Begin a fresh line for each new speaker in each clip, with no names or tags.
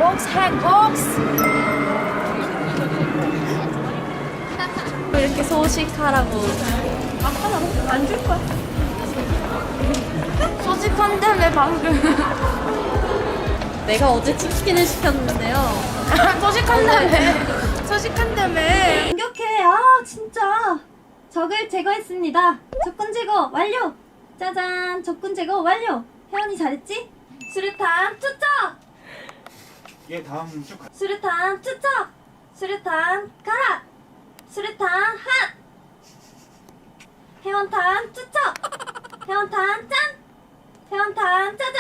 행복스 행복스. 이렇게 소식하라고. 아빠 안 줄 거야. 소식한다며 방금. 내가 어제 치킨을 시켰는데요. 소식한다며.
공격해. 아 진짜. 적을 제거했습니다. 적군 제거 완료. 짜잔. 적군 제거 완료. 혜원이 잘했지? 수류탄 투척.
예, 다음 쭉 가.
수류탄 투척. 수류탄 가라. 수류탄 핫. 혜원탄 투척. 혜원탄 짠. 혜원탄 짜잔.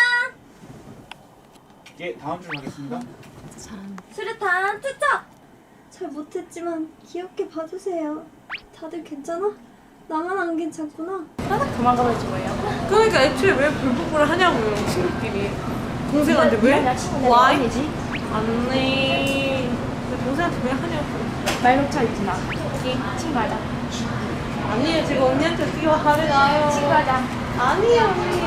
예, 다음 줄 가겠습니다.
수류탄 투척. 잘 못했지만 귀엽게 봐주세요. 다들 괜찮아? 나만 안 괜찮구나.
도망가버리지 뭐예요?
그러니까 애초에 왜 불복을 하냐고요, 친구끼리. 동생한테 왜? Why? 안돼. 동생한테 왜 하냐고.
말 놓쳐 있지 마. 여기 친구하자.
아니에요, 제가 언니한테 어떻게 화를 나요.
친구하자.
아니에요, 언니.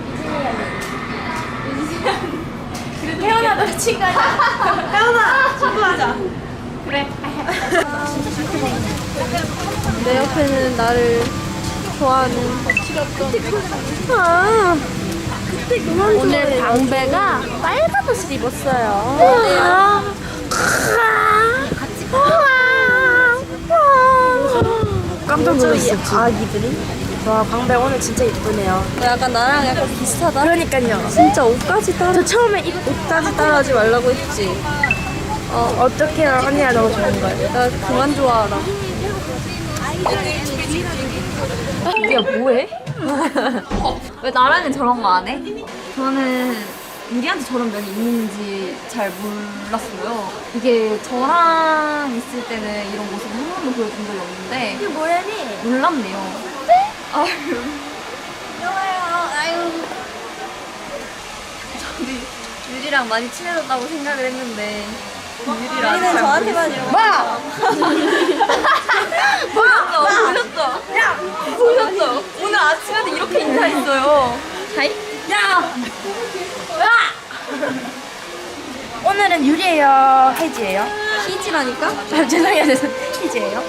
태어나도 친구하자.
혜연아, 친구하자.
그래.
내 옆에는 나를 좋아하는 아 그때 그만
오늘 방배가 빨간 옷을 입었어요.
깜짝 놀랐어.
아기들이. 와 방배 오늘 진짜 이쁘네요.
약간 나랑 약간 비슷하다.
그러니까요.
진짜 옷까지 따라.
저 처음에
옷까지 따라하지 말라고 했지.
어떻게 언니가 너무 좋은 거예요?
나 그만 좋아하라.
이게 뭐해? 왜 나랑은 저런 거 안 해? 저는 유리한테 저런 면이 있는지 잘 몰랐어요. 이게 저랑 있을 때는 이런 모습을 한 번도 보여준 적이 없는데
이게 뭐야니?
놀랍네요. 아유.
좋아요. 아유.
우리 유리랑 많이 친해졌다고 생각을 했는데 유리랑
우리는 저한테만 이러고.
보셨죠? 야! 보셨죠? 오늘 아침에도 이렇게 인사했어요. 하이? 야! 오늘은 유리예요? 혜지예요?
희지라니까?
아, 죄송해요. 혜지예요?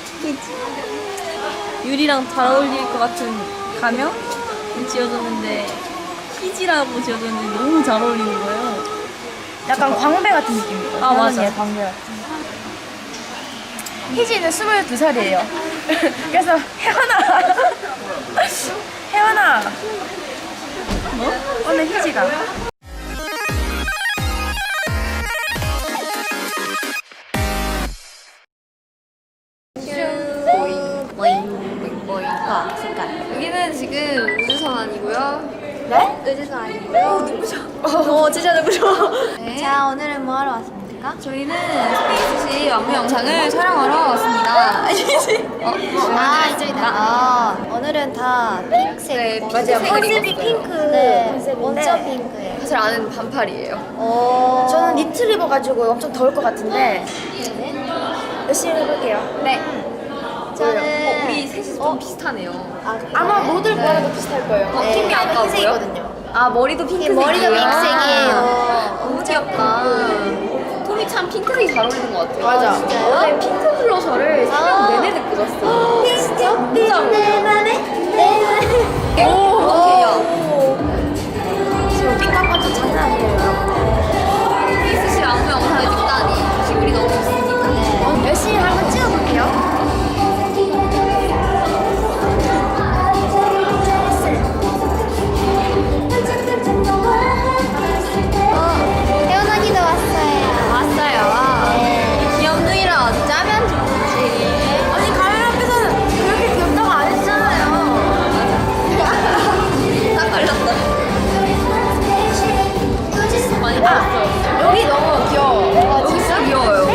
유리랑 잘 어울릴 것 같은 가명 지어줬는데 희지라고 지어줬는데 너무 잘 어울리는 거예요.
약간 광배 같은 느낌이죠?
아, 맞아.
광배 같은. 혜지는 22살이에요. 그래서 혜원아 뭐? 오늘 희지가
여기는 지금 우주선 아니고요.
네?
의지선 아니고요. 누구셔? 진짜 누구셔? 네.
자, 오늘은 뭐 하러 왔습니까?
저희는 스페이스시 안무 영상을 촬영하러 왔습니다.
아, 이쪽이다. 오늘은 다 핑크색.
네,
맞아요. 컨셉이 핑크. 네, 원점 핑크예요.
사실 안은 반팔이에요.
저는 니트를 입어가지고 엄청 더울 것 같은데 열심히 해볼게요.
네.
저는
우리 셋이 좀 비슷하네요.
아마 모델 거랑도 비슷할 거예요.
팀이 아까 뭐요?
흰색이거든요.
아 머리도 핑크색이에요.
머리도 핑크색이에요.
너무 귀엽다. 톰이 참 핑크색이 잘 어울리는 것 같아요.
맞아.
진짜요?
어제 핑크 블러셔를 새벽 내내 듣고 잤어. 진짜
내 맘에 내 맘에.
어떡해요.
지금 띵까빠 좀 장난 아니에요.
스페이스시 안무 영상을 찍다니 기분이 너무 좋습니다.
열심히 한번 찍어볼게요.
혜원언니도 왔어요.
왔어요. 귀여운 누이랑 어디 짜면 좋지.
아니 카메라 앞에서는 그렇게 귀엽다고 안 했잖아요.
딱 걸렸다. 많이 봤어요.
여기 너무 귀여워.
여기 진짜 귀여워요.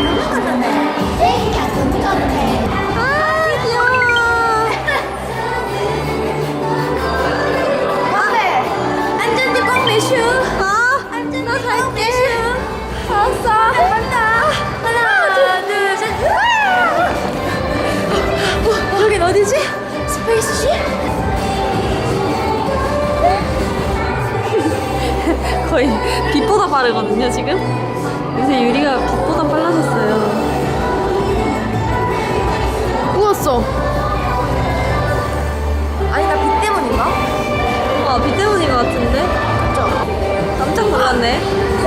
안전띠 꼭 매슈. 나 갈게. 알았어. 간다. 하나, 둘, 셋. 여긴 어디지? 스페이스시?
거의 빛보다
빠르거든요 지금. 요새 유리가 빛보다 빨라졌어요.
우웠어. 아니 나 빛 때문인가?
빛 때문인 것 같은데? 깜짝 놀랐네.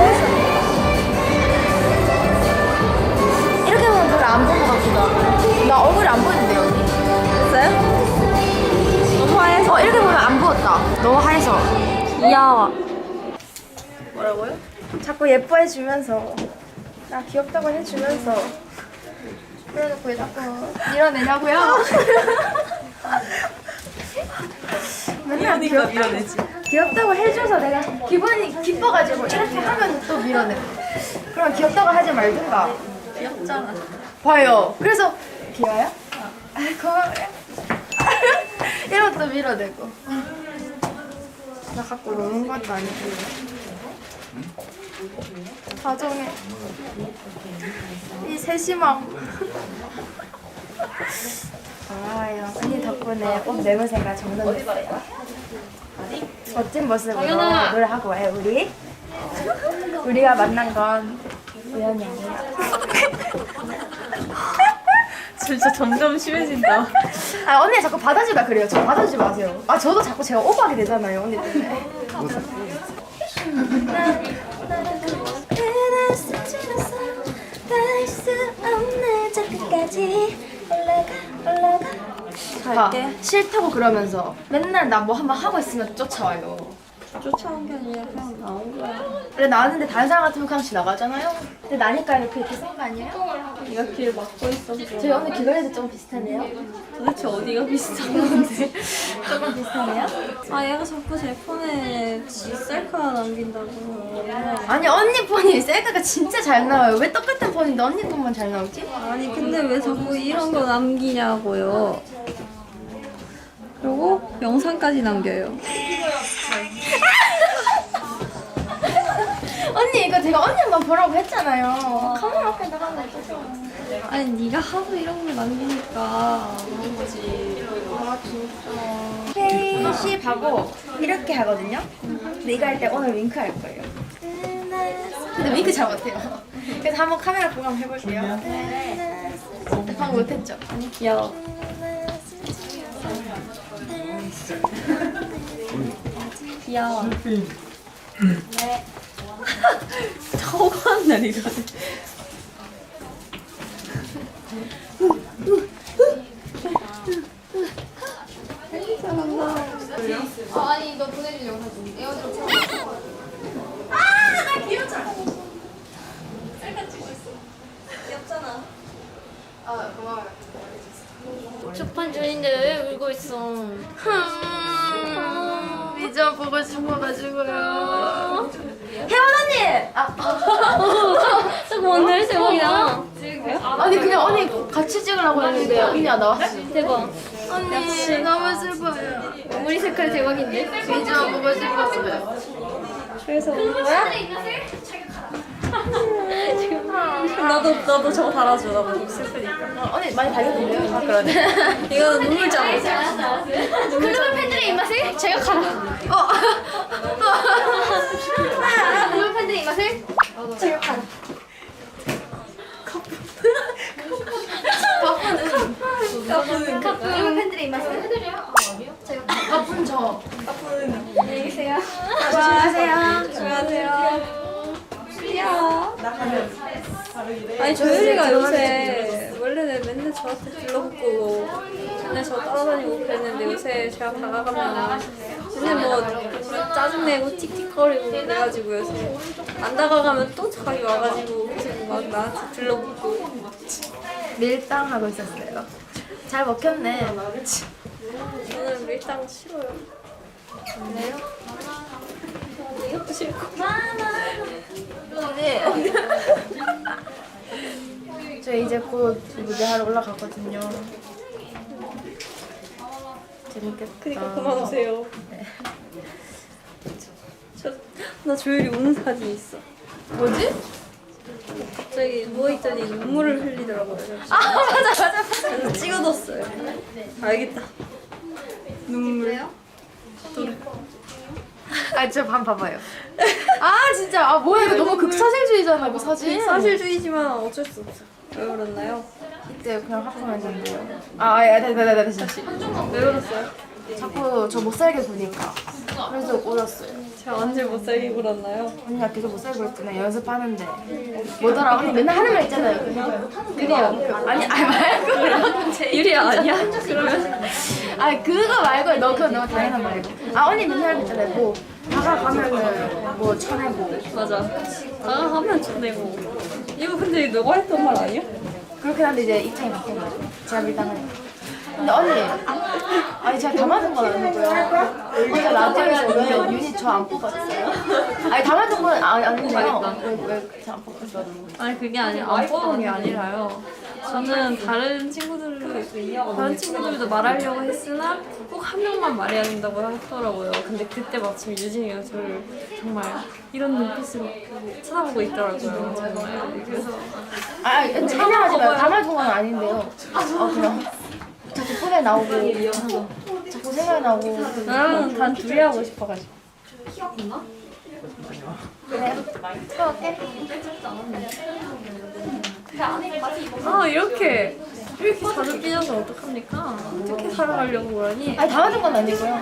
이렇게 보면 별로 안 본 것 같기도 하고. 나 얼굴이 안 보이는데 여기.
됐어요? 너무 하얘서.
이렇게 보면 안 부었다. 너무 하얘서.
귀여워.
뭐라고요? 자꾸 예뻐해주면서 나 귀엽다고 해주면서 그래놓고 왜 자꾸 밀어내냐고요? 맨날
밀어내지.
귀엽다고 해줘서 내가 기분이 기뻐가지고 이렇게 하면 또 밀어내고 그럼 귀엽다고 하지 말든가.
귀엽잖아.
봐요. 그래서 귀여워요? 아 고마워요. 이러고 또 밀어내고 나 갖고 노는 것도 아니고 가정에 이 세심함 고마워요. 언니 덕분에 옷 매물새가 정돈됐어요. 멋진 모습으로 노래하고 와요 우리. 우리가 만난 건 우연이 아니야.
진짜 점점 심해진다.
아 언니 자꾸 받아주다 그래요. 저 받아주지 마세요. 아 저도 자꾸 제가 오버하게 되잖아요 언니 때문에.
갈게.
싫다고 그러면서 맨날 나 뭐 한번 하고 있으면 쫓아와요.
쫓아온 게 아니라 그냥 나온 거야.
원래 나왔는데 다른 사람 같으면 그냥 지나가잖아요. 근데 나니까 이렇게 쓴 거 아니에요?
네가 길 막고 있어서.
저희 오늘 귀걸이도 좀 비슷하네요.
도대체 어디가 비슷한 건데?
조금 비슷하네요.
아 얘가 자꾸 제 폰에 지 셀카 남긴다고.
아니 언니 폰이 셀카가 진짜 잘 나와요. 왜 똑같은 폰인데 언니 것만 잘 나오지?
아니 근데 왜 자꾸 이런 거 남기냐고요. 그리고 영상까지 남겨요.
언니 이거 제가 언니 한번 보라고 했잖아요. 카메라 앞에 나가면 어쩌죠?
아니 네가 하도 이런 거 남기니까 그런 거지.
아 진짜. 페이십하고 이렇게 하거든요. 근데 이거 할 때 오늘 윙크 할 거예요. 근데 윙크 잘 못해요. 그래서 한번 카메라 보고 한번 해볼게요. 방금 못했죠?
귀여워. 귀여워. 네. 저거 날 이거.
아니 너 보내준 영상 좀 에어드롭 쳐.
귀엽잖아.
아 고마워요.
초판 중인데 왜 울고 있어?
미저 보고 싶어가지고요. 혜원 언니!
저거 오늘 대박이다.
아니 그냥 언니 같이 찍으려고 했는데 언니가 나왔어.
대박.
언니 너무 슬퍼요.
머리 색깔 대박인데?
미저 보고 싶었어요.
그래서 온 거야? 나도 저거 달아줘. 나 너무 슬프니까.
언니 많이 달렸는데요? 아 그러네.
이거는 눈물장.
그러면 팬들의 입맛을 제격하라. 그러면 팬들의 입맛을 제격하라. 그러면 팬들의 입맛을 제격하라.
바쁜 저.
안녕히 계세요.
조심하세요.
안녕하세요. 귀여워. 아니 조율이가 요새 원래는 맨날 저한테 들러붙고 맨날 저 따라다니고 그랬는데 요새 제가 다가가면 맨날 뭐 짜증내고 틱틱거리고 그래가지고 요새 안 다가가면 또 자기 와가지고 계속 막 나한테 들러붙고.
밀당 하고 있었어요. 잘 먹혔네.
저는 밀당 싫어요.
왜요?
이것도 싫고.
언니. 저 이제 곧 무대하러 올라가거든요. 재밌겠다.
그니까 그만 오세요. 나 조율이 우는 사진이 있어.
뭐지?
갑자기 누워있더니 눈물을 흘리더라고요.
맞아.
그래서 찍어뒀어요. 알겠다. 눈물.
아, 저 반 봐봐요. 아 진짜 아 뭐야 이거 너무 극사실주의잖아 이거 사진.
사실주의지만 어쩔 수 없어. 왜 그랬나요?
이때 그냥 하품하면 된대요. 다시.
왜 그랬어요?
자꾸 저 못 살게 구니까. 그래서 울었어요.
제가 언제 못 살게 굴었나요?
언니가 계속 못 살고 있잖아 연습하는데 뭐더라 언니 맨날 하는 말 있잖아요. 그래요. 아니 말고.
유리야 아니야? 그러면
아니 그거 말고 너 그건 너무 당연한 말이고. 아 언니 맨날 하는 거 있잖아요. 뭐 다가가면은 뭐 쳐내고.
맞아. 다가가면 쳐내고. 이거 근데 너가 했던 말 아니야?
그렇긴 한데 이제 입장이 바뀐 거죠. 제가 밀당하니까. 근데 언니, 아니 제가 다 맞은 건 아니고요. 어제 라디오에서 왜 유닛 저 안 뽑았어요? 아니 다 맞은 건 아닌데요. 왜저안 뽑았어요?
아니 그게 아니라 안 뽑은 게 아니라요. 저는 다른 친구들도 말하려고 했으나 꼭 한 명만 말해야 된다고 하더라고요. 근데 그때 마침 유진이가 저를 정말 이런 눈빛으로 쳐다보고 있더라고요. 정말. 그래서
참여하지 마요. 다 맞은 건 아닌데요. 그냥 자꾸 꿈에 나오고 자꾸 생각이 나고.
나랑은 단 둘이 하고 싶어가지고.
그래. 태워올게.
아 이렇게 자주 삐져서 어떡합니까? 어떻게 살아가려고 그러니?
아니 다 맞은 건 아니고요.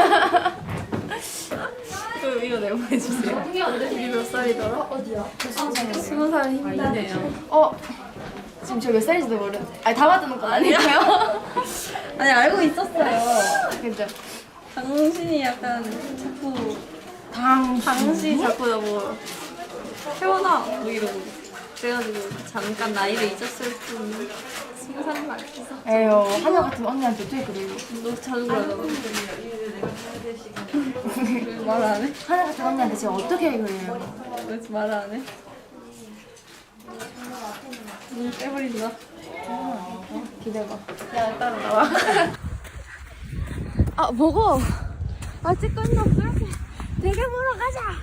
이거 내보내주세요. 이게 몇 살이더라? 어디야? 20살 힘드네요.
지금 저 몇 살인지도 모르는데. 아니 다 맞은 건 아니고요.
아니 알고 있었어요.
그죠?
당신이 약간 자꾸 당신 자꾸 나뭐 태어나 뭐 이러고 그래가지고 잠깐 나이를 잊었을 뿐 20살인 말 있어.
에휴 하나 같은 언니한테 어떻게 그래요?
너 자주 그러잖아. 말 안 해?
하나 같은 언니한테 제가 어떻게 그래요?
왜 말 안 해? 빼버린다.
기대봐.
야 따라 나와.
아 먹어. 아 찍고 있나? 되게 보러 가자.